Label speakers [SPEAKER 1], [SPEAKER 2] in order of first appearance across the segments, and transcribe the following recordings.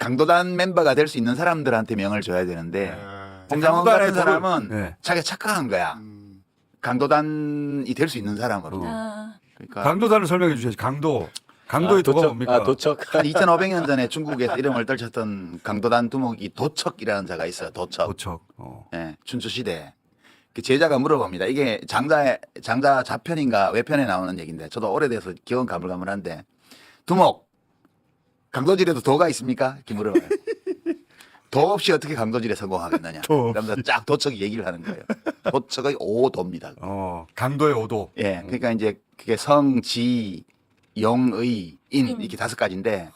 [SPEAKER 1] 강도단 멤버가 될 수 있는 사람들한테 명을 줘야 되는데 홍장원
[SPEAKER 2] 강도단의
[SPEAKER 1] 같은 사람은
[SPEAKER 2] 네.
[SPEAKER 1] 자기가 착각한 거야. 강도단이 될 수 있는 사람으로. 그러니까
[SPEAKER 2] 강도단을 설명해 주셔야지. 강도의 도가 뭡니까?
[SPEAKER 3] 도척.
[SPEAKER 1] 한 2,500년 전에 중국에서 이름을 떨쳤던 강도단 두목이 도척이라는 자가 있어요. 도척.
[SPEAKER 2] 도척.
[SPEAKER 1] 예, 춘추 시대. 그 제자가 물어봅니다. 이게 장자 좌편인가 외편에 나오는 얘기인데 저도 오래돼서 기억은 가물가물한데 두목 강도질에도 도가 있습니까? 이렇게 물어봐요. 도 없이 어떻게 강도질에 성공하겠느냐. 그러면서 쫙 도척이 얘기를 하는 거예요. 도척의 5도입니다.
[SPEAKER 2] 강도의 5도.
[SPEAKER 1] 예, 그러니까 이제 그게 성, 지, 영의, 인 이렇게 5가지인데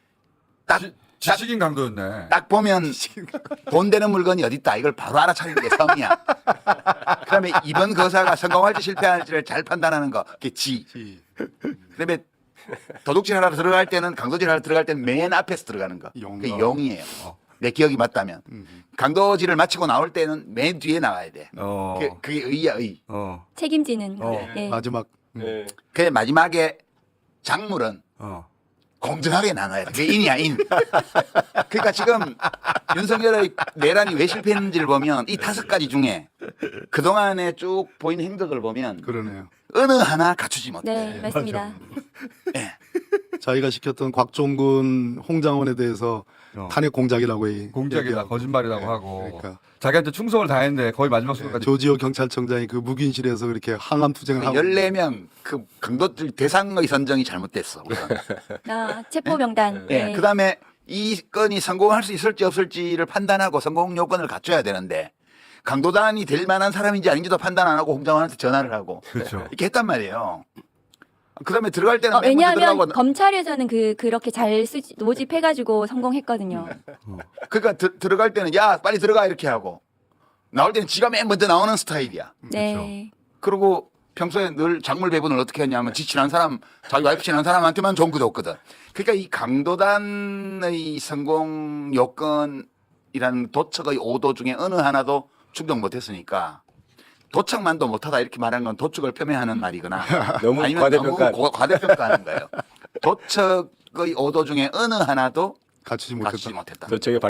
[SPEAKER 2] 지식인 강도였네.
[SPEAKER 1] 딱 보면 돈 되는 물건이 어디 있다 이걸 바로 알아차리는 게 성이야. 그다음에 이번 거사가 성공할지 실패할지를 잘 판단하는 거 그게 지. 그다음에 도둑질 하러 들어갈 때는 강도질 하러 들어갈 때는 맨 앞에서 들어가는 거. 그게 영이에요. 내 기억이 맞다면 강도질을 마치고 나올 때는 맨 뒤에 나와야 돼. 그게 의야 의.
[SPEAKER 4] 책임지는. 예.
[SPEAKER 5] 마지막
[SPEAKER 3] 네.
[SPEAKER 1] 그 마지막에 작물은 공정하게 나눠야 돼. 그게 인이야 인. 그러니까 지금 윤석열의 내란이 왜 실패했는지를 보면 이 5가지 중에 그동안에 쭉 보이는 행적을 보면
[SPEAKER 5] 그러네요.
[SPEAKER 1] 어느 하나 갖추지 못해.
[SPEAKER 4] 네, 맞습니다.
[SPEAKER 1] 예.
[SPEAKER 5] 자기가 시켰던 곽종근 홍장원에 대해서 탄핵 공작이라고
[SPEAKER 2] 공작이다,
[SPEAKER 5] 얘기하고.
[SPEAKER 2] 거짓말이라고
[SPEAKER 5] 네,
[SPEAKER 2] 하고.
[SPEAKER 5] 그러니까
[SPEAKER 2] 자기한테 충성을 다했는데 거의 마지막 순간까지.
[SPEAKER 5] 조지호 경찰청장이 그 묵인실에서 그렇게 항암 투쟁을 하고
[SPEAKER 1] 14명 그 강도들 대상의 선정이 잘못됐어. 우선.
[SPEAKER 4] 체포 명단.
[SPEAKER 1] 예.
[SPEAKER 4] 네.
[SPEAKER 1] 그다음에 이 건이 성공할 수 있을지 없을지를 판단하고 성공 요건을 갖춰야 되는데 강도단이 될 만한 사람인지 아닌지도 판단 안 하고 홍장원한테 전화를 하고
[SPEAKER 2] 그렇죠.
[SPEAKER 1] 이렇게 했단 말이에요. 그다음에 들어갈 때는 맨 먼저
[SPEAKER 4] 왜냐하면
[SPEAKER 1] 들어가고
[SPEAKER 4] 검찰에서는 그렇게 잘 모집해가지고 성공했거든요.
[SPEAKER 1] 그러니까 들어갈 때는 야 빨리 들어가 이렇게 하고 나올 때는 지가 맨 먼저 나오는 스타일이야.
[SPEAKER 4] 네.
[SPEAKER 1] 그리고 평소에 늘 작물 배분을 어떻게 했냐면 지 친한 사람 자기 와이프 친한 사람한테만 좋은 거 줬거든. 그러니까 이 강도단의 성공 요건이라는 도척의 5도 중에 어느 하나도 충족 못했으니까 도척만도 못하다 이렇게 말하는 건 도척을 폄훼하는 말이거나
[SPEAKER 3] 너무
[SPEAKER 1] 아니면
[SPEAKER 3] 과대평가.
[SPEAKER 1] 너무 과대평가하는 거예요. 도척의 5도 중에 어느 하나도
[SPEAKER 5] 갖추지
[SPEAKER 1] 갖추지
[SPEAKER 5] 못했다.
[SPEAKER 1] 못했다.
[SPEAKER 3] 도척의